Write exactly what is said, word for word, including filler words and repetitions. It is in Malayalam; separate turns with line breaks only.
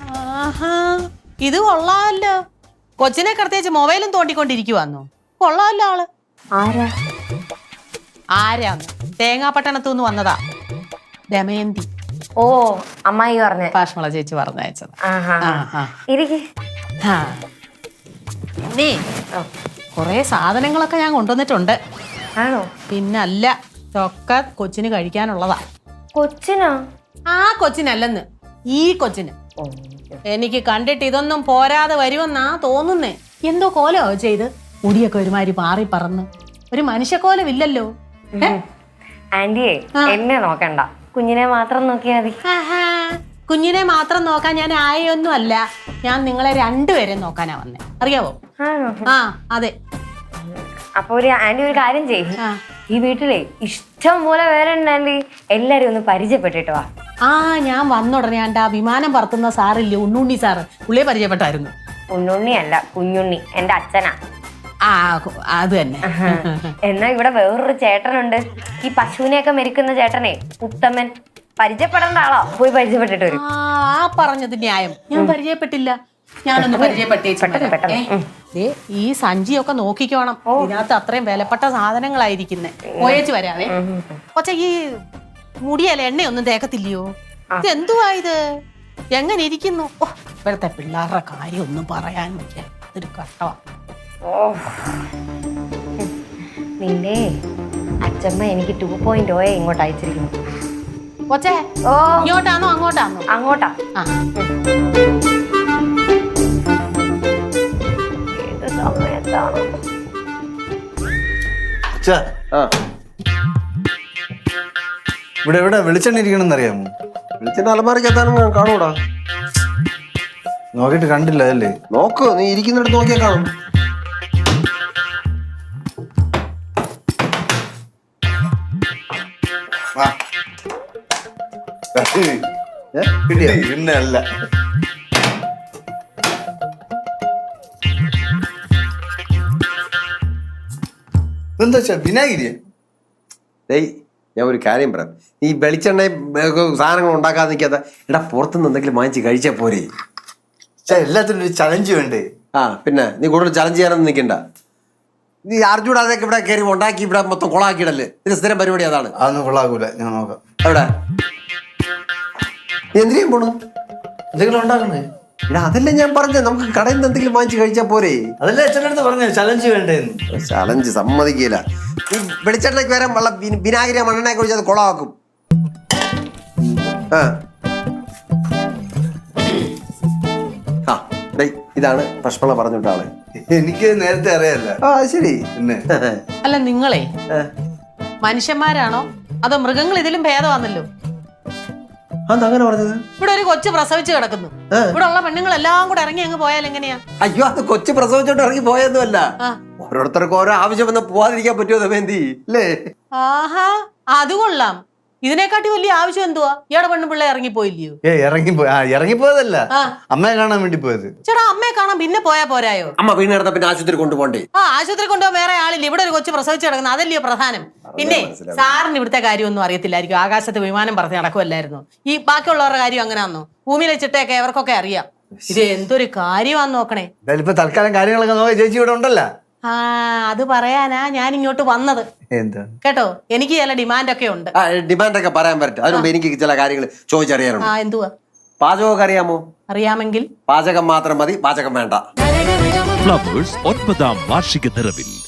ആഹാ ഇത് കൊള്ളാമല്ലോ. കൊച്ചിനെ കിടത്തേച്ച് മൊബൈലും തോണ്ടിക്കൊണ്ടിരിക്കുവാന്നോ? കൊള്ളാമല്ലോ ആള്.
ആരാ
ആരാന്ന്? തേങ്ങാപ്പട്ടണത്തുനിന്ന് വന്നതാ, ദമയന്തി.
ഓ അമ്മായി പറഞ്ഞ
പാഷ്മള ചേച്ചി പറഞ്ഞയച്ചത്. പിന്നെ കൊറേ സാധനങ്ങളൊക്കെ ഞാൻ കൊണ്ടുവന്നിട്ടുണ്ട്.
ആണോ?
പിന്നല്ല, ഒക്കെ കൊച്ചിന് കഴിക്കാനുള്ളതാ.
കൊച്ചിനോ?
ആ കൊച്ചിനല്ലെന്ന്, ഈ കൊച്ചിന്. എനിക്ക് കണ്ടിട്ട് ഇതൊന്നും പോരാതെ വരുമെന്നാ തോന്നുന്നേ. എന്തോ കോലോ ചെയ്ത് മുടിയൊക്കെ ഒരുമാതിരി പാറി പറന്ന്, ഒരു മനുഷ്യക്കോലമില്ലല്ലോ.
ആന്റിയെ എന്നെ നോക്കണ്ട, കുഞ്ഞിനെ മാത്രം നോക്കിയാ മതി.
കുഞ്ഞിനെ മാത്രം നോക്കാൻ ഞാൻ ആയൊന്നും അല്ല, ഞാൻ നിങ്ങളെ രണ്ടുപേരെ നോക്കാനാ വന്നേ, അറിയാവോ? ആ അതെ.
അപ്പൊ ഒരു ആന്റി ഒരു കാര്യം ചെയ്യും, ഈ വീട്ടിലെ ഇഷ്ടം പോലെ വേറെ ഉണ്ട് ആന്റി, എല്ലാരും ഒന്ന് പരിചയപ്പെട്ടിട്ട് വാ.
ആ ഞാൻ വന്നുടനെ ആണ്ട് ആ വിമാനം പറത്തുന്ന സാറില്ലേ, ഉണ്ണുണ്ണി സാറ്, പുള്ളിയെ പരിചയപ്പെട്ടായിരുന്നു.
ഉണ്ണുണ്ണി അല്ല, കുഞ്ഞുണ്ണി, എന്റെ അച്ഛനാ.
ആ അത് തന്നെ.
എന്നാ ഇവിടെ വേറൊരു ചേട്ടനുണ്ട്, ഈ പശുവിനെയൊക്കെ മെരിക്കുന്ന ചേട്ടനെ, ഉത്തമൻ. പരിചയപ്പെടേണ്ട ആളോ, പോയി പരിചയപ്പെട്ടിട്ട് വരും.
ആ പറഞ്ഞത് ന്യായം, ഞാൻ പരിചയപ്പെട്ടില്ല. ഞാനൊന്ന് പരിചയപ്പെട്ടേ. ഈ സഞ്ചിയൊക്കെ നോക്കിക്കോണം, ഇതിനകത്ത് അത്രയും വിലപ്പെട്ട സാധനങ്ങളായിരിക്കുന്നേ. പോയേച്ച് വരാവേ. പക്ഷെ ഈ മുടിയല്ല എണ്ണയൊന്നും തേക്കത്തില്ലയോ? ഇത് എന്തുവാ ഇത്? എങ്ങനെ ഇരിക്കുന്നു? ഓ ഇപ്പോഴത്തെ പിള്ളേരുടെ കാര്യം ഒന്നും പറയാൻ വയ്യ, ഇതൊരു കഷ്ടമാ.
നിന്റെ അച്ഛമ്മ എനിക്ക് ടു പോയിന്റ് ഓയെ ഇങ്ങോട്ട് അയച്ചിരിക്കുന്നു.
കൊച്ചേ, ഓ ഇങ്ങോട്ടാണോ അങ്ങോട്ടാണോ?
അങ്ങോട്ടാ. ഏത് സമയത്താണ്?
ഇവിടെ എവിടെ വെളിച്ചെണ്ണ ഇരിക്കണമെന്ന് അറിയാമോ?
വെളിച്ചെണ്ണ അലമാരക്കകത്താനും കാണൂടാ.
നോക്കിട്ട് കണ്ടില്ല അല്ലേ?
നോക്ക്, നീ ഇരിക്കുന്നിടത്ത് നോക്കിയാ കാണും.
പിന്നെ അല്ല, എന്താ വെച്ചാ വിനാഗിരിയ?
ഡേയ് ഞാൻ ഒരു കാര്യം പറയാം, ഈ വെളിച്ചെണ്ണ സാധനങ്ങൾ ഉണ്ടാക്കാതെ നിൽക്കാത്ത എടാ, പുറത്തുനിന്ന് എന്തെങ്കിലും വാങ്ങിച്ച് കഴിച്ചാൽ പോരെ?
എല്ലാത്തിനും ഒരു ചലഞ്ച് വേണ്ടേ?
ആ പിന്നെ നീ കൂടുതൽ ചലഞ്ച് ചെയ്യാനൊന്നും നിൽക്കണ്ട. നീ അർജുൻ അതൊക്കെ ഇവിടെ കയറി ഉണ്ടാക്കി ഇവിടെ മൊത്തം കൊളാക്കിയിടല്ലേ? ഇതിന് സ്ഥിരം പരിപാടി അതാണ്.
അതൊന്നും കൊള്ളാക്കൂല, ഞാൻ നോക്കാം.
എവിടെ എന്തിനേയും പോണു?
എന്തെങ്കിലും ഉണ്ടാക്കണേ?
എടാ അതല്ലേ ഞാൻ പറഞ്ഞത്, നമുക്ക് കടയിൽ നിന്ന് എന്തെങ്കിലും വാങ്ങിച്ച് കഴിച്ചാൽ പോരെ?
അതല്ലേ അച്ഛൻ്റെ അടുത്ത് പറഞ്ഞ ചലഞ്ച് വേണ്ടേന്ന്.
ചലഞ്ച് സമ്മതിക്കില്ല. ഈ വെളിച്ചെണ്ണയ്ക്ക് വരാൻ വെള്ളം വിനാഗിരി മണ്ണെണ്ണ കുറിച്ച് അത് കൊളാക്കും. ആ ഡേയ് ഇതാണ് പഷ്മള പറഞ്ഞിട്ട ആള്.
എനിക്ക് നേരത്തെ അറിയാല്ല.
ആ ശരി.
പിന്നെ
അല്ല നിങ്ങളെ മനുഷ്യന്മാരാണോ അതോ മൃഗങ്ങൾ? ഇതിലും ഭേദമാണല്ലോ.
അതങ്ങനെ പറഞ്ഞത്?
ഇവിടെ ഒരു കൊച്ചു പ്രസവിച്ച് കിടക്കുന്നു, ഇവിടെ ഉള്ള പെണ്ണുങ്ങളെല്ലാം കൂടെ ഇറങ്ങി അങ്ങ് പോയാൽ എങ്ങനെയാ?
അയ്യോ അത് കൊച്ചു പ്രസവിച്ചോണ്ട് ഇറങ്ങി പോയൊന്നും അല്ല, ഓരോരുത്തർക്കും ഓരോ ആവശ്യം വന്ന് പോവാതിരിക്കാൻ പറ്റുമോ ദമയന്തി? അല്ലേ?
ആഹാ അത് കൊള്ളാം. ഇതിനെക്കാട്ടി വലിയ ആവശ്യം എന്തുവാ? ഇയാടെ പെണ്ണു പിള്ളേ ഇറങ്ങിപ്പോയില്ലയോ?
ഏ ഇറങ്ങിപ്പോയി. ആ ഇറങ്ങിപ്പോയതല്ല, അമ്മയെ കാണാൻ വേണ്ടി പോയത്.
ചേട്ടാ അമ്മയെ കാണാൻ പിന്നെ പോയാ പോരായോ?
അമ്മ വീണ് കിടന്ന പിന്നെ ആശുപത്രി കൊണ്ടുപോണ്ടേ?
ആ ആശുപത്രി കൊണ്ടുപോകാൻ വേറെ ആളില്ല, ഇവിടെ ഒരു കൊച്ചു പ്രസവിച്ച് കിടക്കുന്നത്, അതല്ലയോ പ്രധാനം. പിന്നെ സാറിന് ഇവിടുത്തെ കാര്യമൊന്നും അറിയത്തില്ലായിരിക്കും, ആകാശത്ത് വിമാനം പറഞ്ഞ് നടക്കുമല്ലായിരുന്നു. ഈ ബാക്കിയുള്ളവരുടെ കാര്യം അങ്ങനെയാന്നോ? ഭൂമിയിലെ ചിട്ടയൊക്കെ അവർക്കൊക്കെ അറിയാം. ഇത് എന്തൊരു കാര്യമാന്ന് നോക്കണേ.
ഇപ്പൊ തൽക്കാലം കാര്യങ്ങളൊക്കെ നോക്കി ചേച്ചി ഇവിടെ ഉണ്ടല്ലോ.
ആ അത് പറയാനാ ഞാൻ ഇങ്ങോട്ട് വന്നത്.
എന്താ
കേട്ടോ, എനിക്ക് ചില ഡിമാൻഡ് ഒക്കെ ഉണ്ട്.
ഡിമാൻഡ് ഒക്കെ പറയാൻ പറ്റും, അതിനുമ്പ് എനിക്ക് ചില കാര്യങ്ങൾ ചോദിച്ചറിയാനുണ്ട്.
ആ എന്തുവാ?
പാചകമൊക്കെ അറിയാമോ?
അറിയാമെങ്കിൽ
പാചകം മാത്രം മതി, പാചകം വേണ്ട.
ഫ്ലവേഴ്സ് ഒൻപതാം വാർഷിക നിറവിൽ